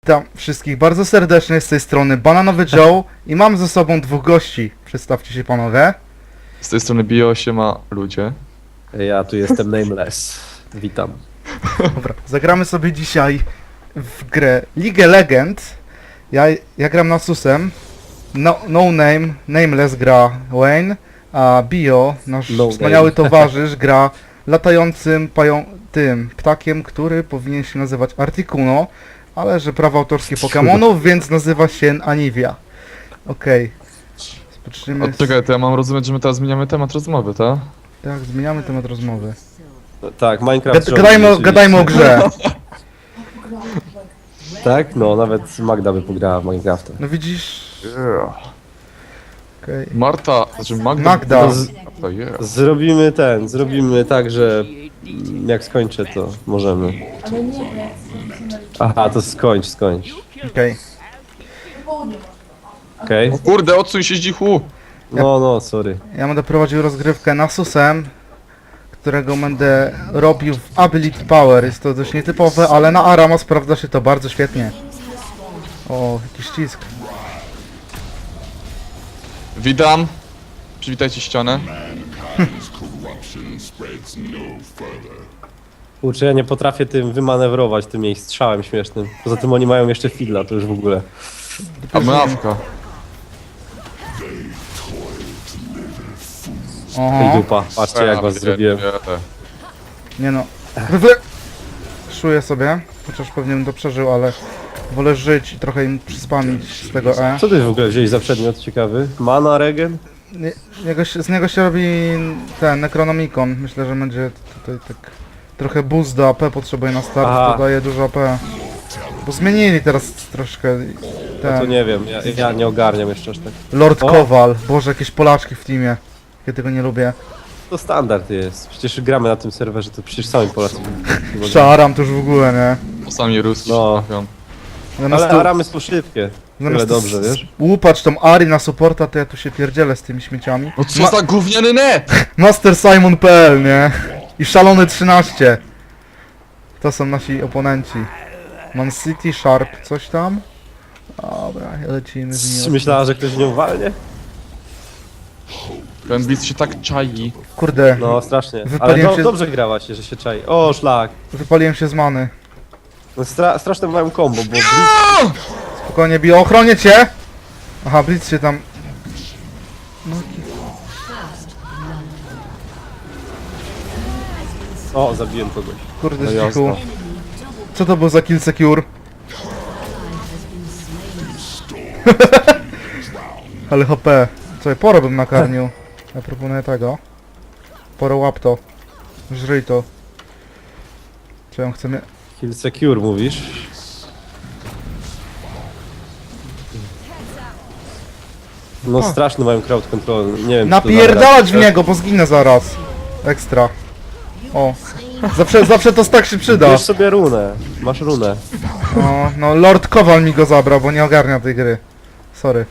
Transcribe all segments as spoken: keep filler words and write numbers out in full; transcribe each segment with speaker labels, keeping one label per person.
Speaker 1: Witam wszystkich bardzo serdecznie z tej strony Bananowy Joe i mam ze sobą dwóch gości. Przedstawcie się panowie.
Speaker 2: Z tej strony Bio się ma ludzie.
Speaker 3: Ja tu jestem Nameless. Witam.
Speaker 1: Dobra, zagramy sobie dzisiaj w grę League Legend. Ja, ja gram Nasusem. No, no Name, Nameless gra Wayne, a Bio, nasz
Speaker 3: No
Speaker 1: wspaniały
Speaker 3: name.
Speaker 1: towarzysz, gra latającym pają tym ptakiem, który powinien się nazywać Articuno, ale że prawa autorskie Pokemonów, więc nazywa się Anivia. Okej. Rozpoczniemy.
Speaker 2: O, czekaj, to ja mam rozumieć, że my teraz zmieniamy temat rozmowy, tak?
Speaker 1: Tak, zmieniamy temat rozmowy.
Speaker 3: No, tak, Minecraft.
Speaker 1: Gad, gadajmy, o-
Speaker 3: oczywiście.
Speaker 1: gadajmy o grze.
Speaker 3: Tak? No, nawet Magda by pograła w Minecrafta.
Speaker 1: No widzisz.
Speaker 2: Yeah.
Speaker 1: Okej.
Speaker 2: Marta, znaczy Magda.
Speaker 1: Magda.
Speaker 2: No, z... Magda, yeah.
Speaker 3: Zrobimy ten, zrobimy tak, że mm, jak skończę, to możemy. Aha, to skończ, skończ.
Speaker 1: Okej.
Speaker 3: Okej?
Speaker 2: O kurde, odsuń się zdzichu!
Speaker 3: No, no, sorry.
Speaker 1: Ja będę prowadził rozgrywkę Nasusem, którego będę robił w Ability Power. Jest to dość nietypowe, ale na Arama sprawdza się to bardzo świetnie. O, jakiś ścisk.
Speaker 2: Witam. Przywitajcie ścianę.
Speaker 3: Kurczę, ja nie potrafię tym wymanewrować, tym jej strzałem śmiesznym. Poza tym oni mają jeszcze fidla, to już w ogóle.
Speaker 2: A mawka.
Speaker 3: Ej,
Speaker 1: Oho.
Speaker 3: dupa, patrzcie jak was zrobiłem.
Speaker 1: Nie no. Wy... Szuję sobie, chociaż pewnie bym to przeżył, ale wolę żyć i trochę im przyspamić z tego E.
Speaker 3: Co ty w ogóle wziąłeś za przedmiot ciekawy? Mana, regen?
Speaker 1: Nie, niego się, z niego się robi ten Necronomicon. Myślę, że będzie tutaj tak trochę boost do A P potrzebuje na start,
Speaker 3: Aha.
Speaker 1: to daje dużo A P. Bo zmienili teraz troszkę
Speaker 3: No to
Speaker 1: ten
Speaker 3: nie wiem, ja, ja nie ogarniam jeszcze aż tak.
Speaker 1: Lord
Speaker 3: O.
Speaker 1: Kowal. Boże, jakieś Polaczki w teamie. Ja tego nie lubię.
Speaker 3: To standard jest. Przecież gramy na tym serwerze, to przecież sami Polacy.
Speaker 1: Szaram to już w ogóle, nie?
Speaker 2: Czasami ruski
Speaker 3: No.
Speaker 2: się trafią.
Speaker 1: Zamiast
Speaker 3: Ale
Speaker 1: tu,
Speaker 3: Aramy są szybkie.
Speaker 1: zamiast
Speaker 3: Tyle
Speaker 1: tu
Speaker 3: dobrze,
Speaker 1: s-
Speaker 3: wiesz?
Speaker 1: łupać tą Ari na supporta, to ja tu się pierdzielę z tymi śmieciami.
Speaker 2: No co za gówniany net!
Speaker 1: Master Simon kropka p l, nie? I Szalony trzynaście. To są nasi oponenci. Man City, Sharp, coś tam? Dobra, lecimy z
Speaker 3: Czy
Speaker 1: nim.
Speaker 3: myślała, że ktoś nią walnie?
Speaker 2: Ten blitz się tak czai.
Speaker 1: Kurde,
Speaker 3: No strasznie. Ale
Speaker 1: Wypaliłem
Speaker 3: do,
Speaker 1: się-
Speaker 3: dobrze grałaś, że się czai. O, szlak.
Speaker 1: wypaliłem się z many.
Speaker 3: No, stra straszne mają combo, bo Blitz...
Speaker 1: Spokojnie, Bio, ochronię cię! Aha, Blitz się tam...
Speaker 3: O, zabiłem kogoś.
Speaker 1: Kurde,
Speaker 3: No
Speaker 1: z
Speaker 3: jasno.
Speaker 1: cichu. Co to był za kill secure? Ale H P. Co, poro bym nakarmił. Ja proponuję tego. Poro łap to. Żryj to. Czy on chce mnie...
Speaker 3: Kill secure mówisz? No straszny mają crowd control, nie wiem czy to
Speaker 1: Napierdalać w
Speaker 3: zagra-
Speaker 1: niego, bo zginę zaraz. Ekstra. O. Zawsze, zawsze to tak się przyda.
Speaker 3: Bierz sobie runę, masz runę.
Speaker 1: No, no Lord Kowal mi go zabrał, bo nie ogarnia tej gry. Sorry.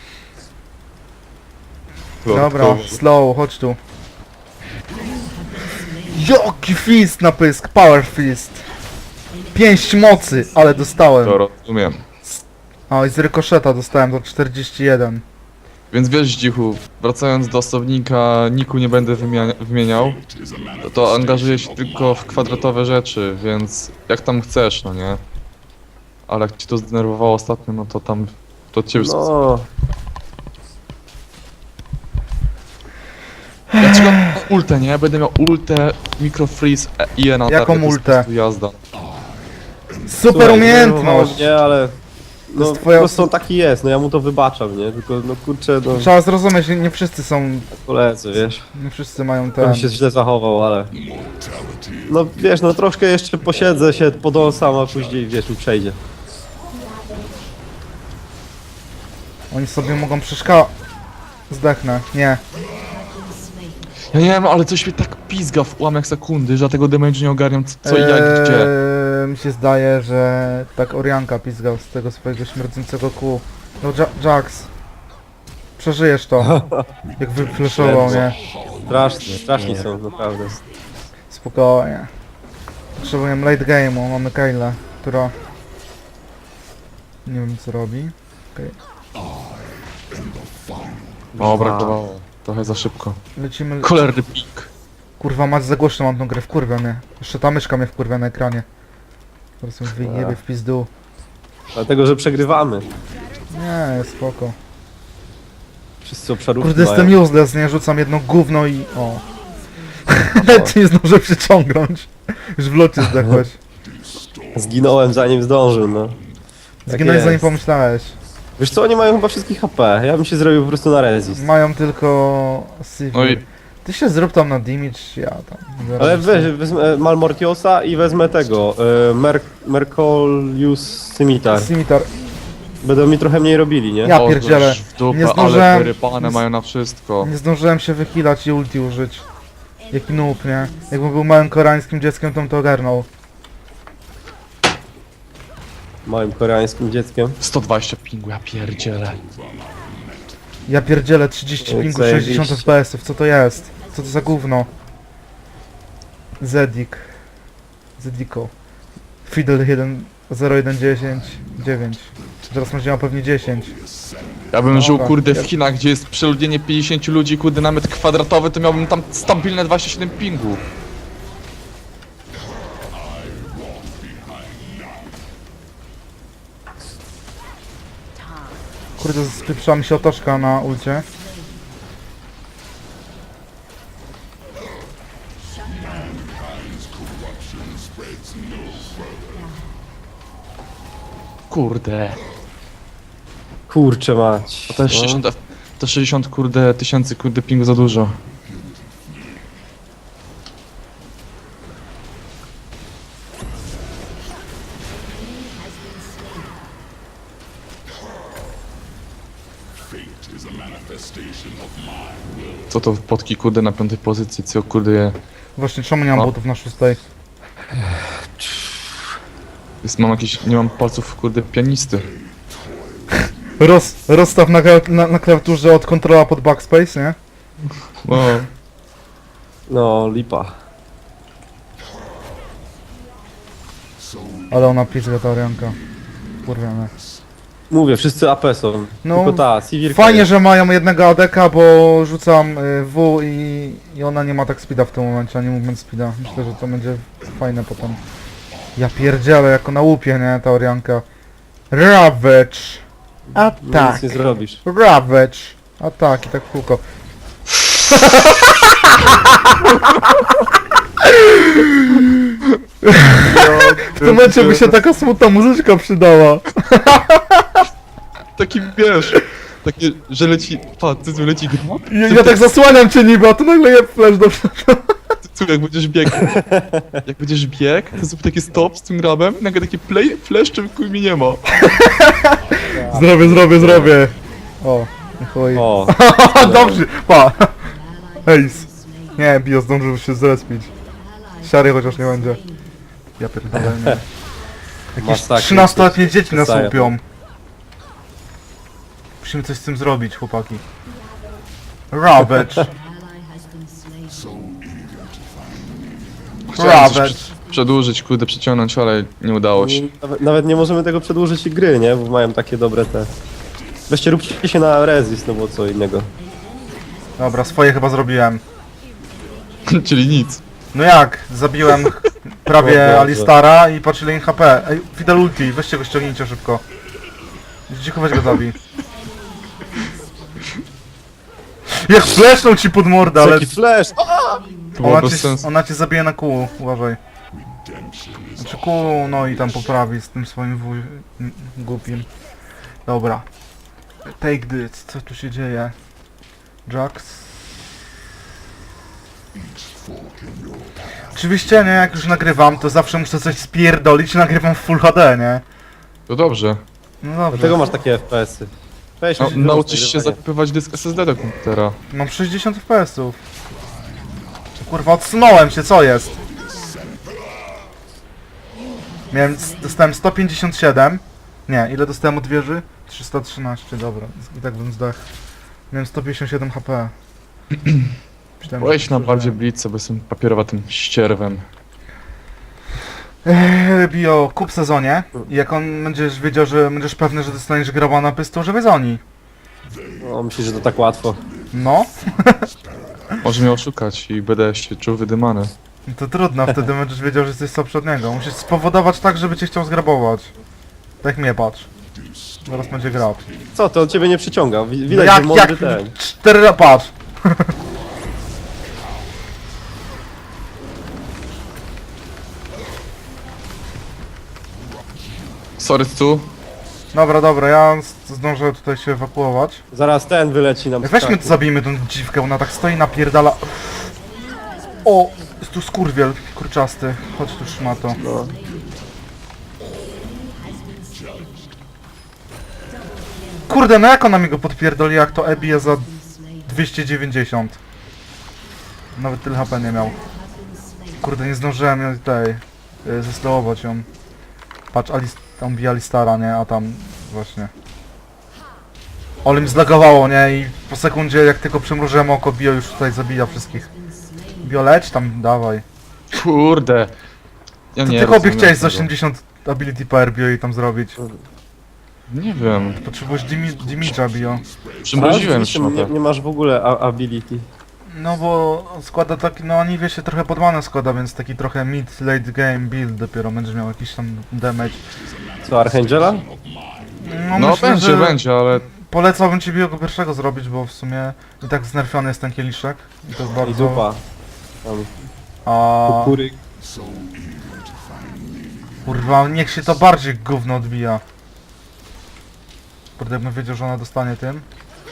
Speaker 1: Dobra, slow, chodź tu. Joki fist na pysk, power fist. Pięść mocy, ale dostałem.
Speaker 2: To rozumiem.
Speaker 1: O, i z rykoszeta dostałem do czterdzieści jeden.
Speaker 2: Więc wiesz zdzichu, wracając do osobnika, niku nie będę wymienia- wymieniał. To, to angażuję się tylko w kwadratowe rzeczy, więc jak tam chcesz, no nie? Ale jak ci to zdenerwowało ostatnio, no to tam... To od ciebie...
Speaker 3: No,
Speaker 2: Ja czekam na ultę, nie? Będę miał ultę, microfreeze e, i E na
Speaker 1: Jaką
Speaker 2: target, to jest
Speaker 1: ultę?
Speaker 2: po prostu jazda.
Speaker 1: Super
Speaker 3: słuchaj,
Speaker 1: umiejętność!
Speaker 3: zdenerwowało mnie, ale... No,
Speaker 1: jest twoja
Speaker 3: po prostu on taki jest, no ja mu to wybaczam, nie? Tylko, no kurczę, no,
Speaker 1: Trzeba zrozumieć, że nie wszyscy są,
Speaker 3: koledzy, wiesz?
Speaker 1: nie wszyscy mają ten...
Speaker 3: On się źle zachował, ale... No wiesz, no troszkę jeszcze posiedzę się, podąsam, a później, wiesz, mi przejdzie.
Speaker 1: Oni sobie mogą przeszkadzać. Zdechnę, nie.
Speaker 2: Ja nie wiem, ale coś mnie tak pizga w ułamek sekundy, że ja tego damage nie ogarniam, co, co i jak, gdzie.
Speaker 1: Eee, mi się zdaje, że tak Orianka pizgał z tego swojego śmierdzącego kół. No Ja- Jax. Przeżyjesz to. Jak wyflashował, nie?
Speaker 3: Strasznie, straszni są, naprawdę.
Speaker 1: Spokojnie. Potrzebujemy late game'u, mamy Kayle, która Nie wiem co robi. Okej.
Speaker 2: O, brakowało. Trochę za szybko.
Speaker 1: Lecimy...
Speaker 2: Cholerny pik.
Speaker 1: Kurwa, mać za głośno mam tą grę, wkurwia mnie. Jeszcze ta myszka mnie wkurwia na ekranie. Po prostu wyjebie w pizdu.
Speaker 3: Dlatego, że przegrywamy.
Speaker 1: Nie, jest spoko.
Speaker 3: Wszyscy obszarówki
Speaker 1: Kurde,
Speaker 3: mają.
Speaker 1: jestem useless, nie? Rzucam jedno gówno i... O. Nawet nie zdążę przyciągnąć. Już w locie zdechłeś.
Speaker 3: Zginąłem zanim zdążył, no. Tak
Speaker 1: Zginąłeś
Speaker 3: jest.
Speaker 1: zanim pomyślałeś.
Speaker 3: Wiesz co, oni mają chyba wszystkich H P. Ja bym się zrobił po prostu na resist.
Speaker 1: Mają tylko... Sivir.
Speaker 2: No i
Speaker 1: Ty się zrób tam na damage, ja tam... zaraz
Speaker 3: Ale weź,
Speaker 1: sobie-
Speaker 3: wezmę Malmortiosa i wezmę tego, y, Mer Mercolius Scimitar.
Speaker 1: Scimitar.
Speaker 3: Będą mi trochę mniej robili, nie?
Speaker 1: Ja
Speaker 2: o,
Speaker 1: pierdzielę.
Speaker 2: w dupę,
Speaker 1: Nie
Speaker 2: ale
Speaker 1: zdążyłem-
Speaker 2: wyrypane
Speaker 1: nie z-
Speaker 2: mają na wszystko.
Speaker 1: Nie zdążyłem się wychilać i ulti użyć. Jaki noob, nie? Jakbym był małym koreańskim dzieckiem, to bym to ogarnął.
Speaker 3: Małym koreańskim dzieckiem.
Speaker 2: sto dwadzieścia pingu, ja pierdzielę.
Speaker 1: Ja pierdzielę trzydzieści
Speaker 3: Jak
Speaker 1: pingu,
Speaker 3: zajebiście.
Speaker 1: sześćdziesiąt F P S-ów, co to jest? Co to za gówno? Zedik. Zediko. Fidel jeden zero jeden dziesięć dziewięć. Teraz będzie miał pewnie dziesięć.
Speaker 2: Ja bym żył
Speaker 1: Dobra.
Speaker 2: kurde w Chinach, gdzie jest przeludnienie pięćdziesięciu ludzi, kurde na metr kwadratowy, to miałbym tam stabilne dwadzieścia siedem pingu.
Speaker 1: Kurde, spieprzyła mi się otoczka na ulcie.
Speaker 2: Kurde.
Speaker 3: Kurczę mać.
Speaker 2: To też sześćdziesiąt, F- to sześćdziesiąt kurde tysięcy kurde pingu za dużo. Co to potki kurde na piątej pozycji, co kurde je...
Speaker 1: Właśnie, czemu nie mam
Speaker 2: O.
Speaker 1: botów na szóstej?
Speaker 2: Jest, mam jakieś, nie mam palców kurde pianisty.
Speaker 1: Roz, rozstaw na, kla- na, na klawiaturze od kontrola pod backspace, nie?
Speaker 2: Wow.
Speaker 3: No, lipa.
Speaker 1: Ale ona pizga ta Orianka. Kurwiane.
Speaker 3: Mówię, wszyscy A P są.
Speaker 1: No,
Speaker 3: Tylko ta, Sivir.
Speaker 1: Fajnie, że mają jednego A D K, bo rzucam y, W i, i ona nie ma tak speeda w tym momencie, a nie movement speeda. Myślę, że to będzie fajne potem. Ja pierdzielę, jako na łupie, nie, ta Orianka. Ravage. A
Speaker 3: No,
Speaker 1: tak.
Speaker 3: nic nie zrobisz.
Speaker 1: Ravage. A tak, i tak w kółko. W tym momencie by się taka smutna muzyczka przydała.
Speaker 2: Taki wiesz, takie, że leci, pa, ty leci gra,
Speaker 1: Ja, ja tak zasłaniam cię niby, a to nagle je flash do
Speaker 2: tu jak będziesz biegł, jak będziesz biegł, to zrób taki stop z tym grabem, i nagle taki play, flash, czym chuj mi nie ma.
Speaker 1: Zrobię, zrobię, zrobię. O, chuj.
Speaker 3: O,
Speaker 1: Dobrze, pa. Ace. Nie, Bio zdążył się zrespić. Siary chociaż nie będzie. Ja pierdolę, nie. Jakieś
Speaker 3: Masakra.
Speaker 1: trzynastoletnie dzieci nas
Speaker 3: Przestaję.
Speaker 1: łupią. Musimy coś z tym zrobić, chłopaki. Ravage.
Speaker 2: Chciałem coś
Speaker 1: Ravage.
Speaker 2: prze- przedłużyć, kurde, przeciągnąć, ale nie udało się.
Speaker 3: nawet, nawet nie możemy tego przedłużyć i gry, nie? Bo mają takie dobre te... Weźcie, róbcie się na resist, no bo co innego.
Speaker 1: Dobra, swoje chyba zrobiłem.
Speaker 2: Czyli nic.
Speaker 1: No jak? Zabiłem
Speaker 3: O
Speaker 1: prawie
Speaker 3: Boże.
Speaker 1: Alistara i patrz ile im H P. Ej, Fidel ulti, weźcie go ściągnijcie szybko. Cicho, weź go zabij. Jak flesznął ci pod mordę, ale
Speaker 3: Jaki flash!
Speaker 2: To było
Speaker 1: ona
Speaker 2: bez
Speaker 1: cię,
Speaker 2: sensu.
Speaker 1: ona cię zabije na kół, uważaj. Znaczy kół, no i tam poprawi z tym swoim wuj... m, głupim. Dobra. Take this, co tu się dzieje? Jax? Oczywiście, nie, jak już nagrywam, to zawsze muszę coś spierdolić i nagrywam w Full H D, nie?
Speaker 2: To dobrze.
Speaker 1: No dobrze.
Speaker 3: Dlatego masz takie F P S-y. Weź,
Speaker 2: No,
Speaker 3: się
Speaker 2: nauczysz się
Speaker 3: nagrywanie.
Speaker 2: zakupywać dysk S S D do komputera.
Speaker 1: Mam sześćdziesiąt F P S-ów. Kurwa, odsunąłem się, co jest? Miałem, dostałem sto pięćdziesiąt siedem. Nie, ile dostałem od wieży? trzysta trzynaście, dobra. I tak bym zdechł. Miałem sto pięćdziesiąt siedem H P. Myślałem, że
Speaker 2: Weź na
Speaker 1: to
Speaker 2: bardziej
Speaker 1: nie.
Speaker 2: blitz, bo jestem papierowatym ścierwem.
Speaker 1: Eee, Bio, kup sezonie i jak on będziesz wiedział, że będziesz pewny, że dostaniesz graba na pystu, żeby za oni.
Speaker 3: No, myślisz, że to tak łatwo.
Speaker 1: No,
Speaker 2: Może mnie oszukać i będę się czuł wydymany.
Speaker 1: to trudno, wtedy będziesz wiedział, że jesteś słabszy od niego. Musisz spowodować tak, żeby cię chciał zgrabować. Tak mnie patrz. Zaraz będzie grab.
Speaker 3: Co, to on ciebie nie przyciąga. Wi-
Speaker 1: No
Speaker 3: Widać,
Speaker 1: jak,
Speaker 3: że mądry
Speaker 1: jak?
Speaker 3: ten.
Speaker 1: Cztery ra- patrz.
Speaker 2: Sorry, Stu.
Speaker 1: Dobra, dobra, ja z- zdążę tutaj się ewakuować.
Speaker 3: Zaraz ten wyleci nam z
Speaker 1: Weźmy,
Speaker 3: krzaku.
Speaker 1: zabijmy tą dziwkę, ona tak stoi, napierdala. O, jest tu skurwiel kurczasty. Chodź tu, szmato.
Speaker 3: No.
Speaker 1: Kurde, no jak ona mi go podpierdoli, jak to E bije za dwieście dziewięćdziesiąt. Nawet tyle H P nie miał. Kurde, nie zdążyłem ją tutaj y, zeslowować ją. Patrz, Alice, tam bije Alistara, nie? A tam właśnie. Ale mi zlagowało, nie? I po sekundzie, jak tylko przymrużyłem oko, Bio już tutaj zabija wszystkich. Bio, leć tam, dawaj.
Speaker 2: Kurde. Ja
Speaker 1: To
Speaker 2: nie
Speaker 1: ty chłopie
Speaker 2: rozumiem
Speaker 1: chciałeś z
Speaker 2: tego.
Speaker 1: osiemdziesiąt ability per Bio i tam zrobić.
Speaker 2: Nie wiem.
Speaker 1: Potrzebujesz dimi- dimidża, Bio.
Speaker 2: Przymroziłem
Speaker 3: Ale rzeczywiście nie,
Speaker 2: szmatę.
Speaker 3: nie masz w ogóle a- ability.
Speaker 1: No bo składa taki, no Aniwie się trochę pod manę składa, więc taki trochę mid, late game build dopiero będzie miał jakiś tam damage.
Speaker 3: Co, Archangela?
Speaker 1: No,
Speaker 2: No
Speaker 1: myślę,
Speaker 2: będzie,
Speaker 1: że
Speaker 2: będzie, ale
Speaker 1: polecałbym ci Bio go pierwszego zrobić, bo w sumie i tak znerfiony jest ten kieliszek. I to jest
Speaker 3: I
Speaker 1: bardzo...
Speaker 3: dupa. Tam
Speaker 1: A...
Speaker 3: kukuryk.
Speaker 1: Kurwa, niech się to bardziej gówno odbija. Kurde, bym wiedział, że ona dostanie tym.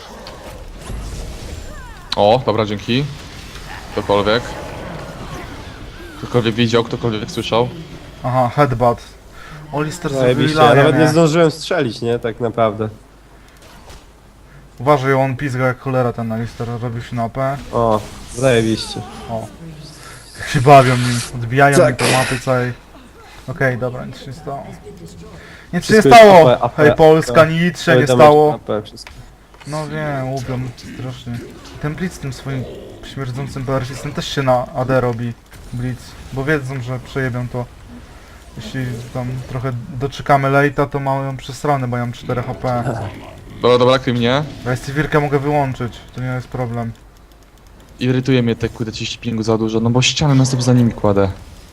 Speaker 2: O, dobra, dzięki. Ktokolwiek. Ktokolwiek widział, ktokolwiek słyszał.
Speaker 1: Aha, headbutt. Olister zrobił
Speaker 3: Zajebiście, ja
Speaker 1: larię,
Speaker 3: nawet nie
Speaker 1: nie?
Speaker 3: zdążyłem strzelić, nie? Tak naprawdę.
Speaker 1: Uważaj, on pizga jak cholera ten Alister, robił się na A P.
Speaker 3: O, zajebiście.
Speaker 1: O. Jak się bawią nim, odbijają mi
Speaker 3: Tak.
Speaker 1: te mapy całej. Okej, dobra, nic się nie stało. Nic się nie
Speaker 3: Wszystko jest
Speaker 1: stało!
Speaker 3: A P, A P,
Speaker 1: Hej Polska,
Speaker 3: A P.
Speaker 1: nic się
Speaker 3: Cały
Speaker 1: nie
Speaker 3: damage
Speaker 1: stało.
Speaker 3: A P, wszystko.
Speaker 1: No wiem, łupią strasznie. Ten Blitz z tym swoim śmierdzącym polarcistem też się na A D robi. Blitz, bo wiedzą, że przejebią to. Jeśli tam trochę doczekamy late'a, to mają przesrane, bo ja mam cztery H P.
Speaker 2: Dobra, dobra, kryj mnie.
Speaker 1: Ja z wirkę mogę wyłączyć, to nie jest problem.
Speaker 2: Irytuje mnie te kurde trzydzieści pingu za dużo, no bo ścianę na sobie za nimi kładę.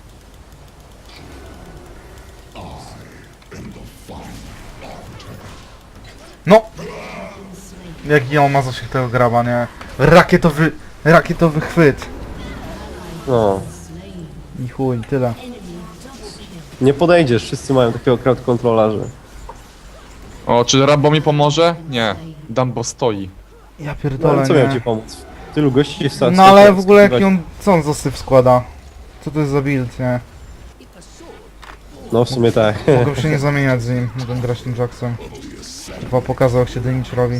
Speaker 1: No! Jaki on ma zasięg tego graba, nie? Rakietowy, rakietowy chwyt.
Speaker 3: No.
Speaker 1: I chuj, tyle.
Speaker 3: Nie podejdziesz, wszyscy mają takiego crowd controla, że...
Speaker 2: O, czy Rambo mi pomoże? Nie. Dumbo stoi.
Speaker 1: Ja
Speaker 3: No,
Speaker 1: pierdolę,
Speaker 3: ale co miał ci
Speaker 1: nie?
Speaker 3: pomóc? Tylu gości w stacji.
Speaker 1: No ale w ogóle jaki on, co on za syf składa? Co to jest za build, nie?
Speaker 3: No w sumie tak.
Speaker 1: Mogę się nie zamieniać z nim, mogę grać tym Jacksem. Chyba pokazał jak się damage robi.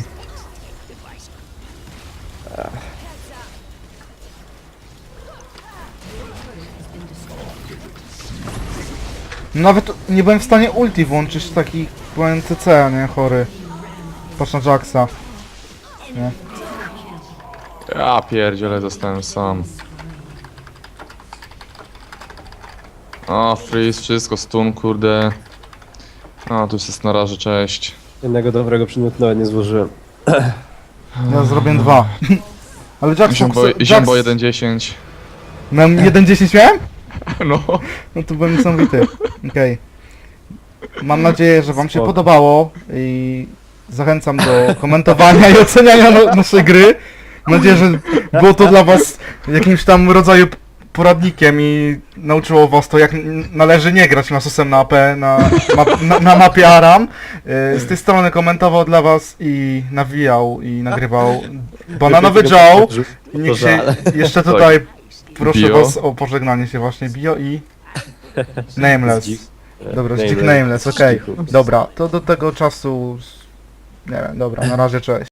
Speaker 1: Nawet nie byłem w stanie ulti włączyć, taki byłem C C, nie? Chory. Patrz na Jacksa. Nie?
Speaker 2: Ja pierdziele, zostałem sam. O, freeze, wszystko, stun, kurde. A, tu jest na razie, cześć.
Speaker 3: Jednego dobrego przedmiotu nawet nie złożyłem.
Speaker 1: Ja zrobię dwa. Ale Jackson...
Speaker 2: Ziombo, ziombo jeden dziesięć.
Speaker 1: Miałem jeden dziesięć miałem?
Speaker 2: No.
Speaker 1: No to byłem niesamowity. Okej. Mam nadzieję, że wam się
Speaker 3: Spoko.
Speaker 1: podobało i zachęcam do komentowania i oceniania no, naszej gry. Mam nadzieję, że było to dla was jakimś tam rodzaju poradnikiem i nauczyło was to, jak n- należy nie grać nasusem na A P, na, map, na, na mapie Aram. Y, Z tej strony komentował dla was i nawijał i nagrywał Bananowy Joe. I niech się jeszcze tutaj proszę
Speaker 2: Bio.
Speaker 1: was o pożegnanie się właśnie Bio i Nameless.
Speaker 3: Zdzik.
Speaker 1: Dobra,
Speaker 3: Nameless.
Speaker 1: Stick Nameless, okej.
Speaker 3: Zdzichu.
Speaker 1: Dobra, to do tego czasu... Nie wiem, dobra, na razie, cześć.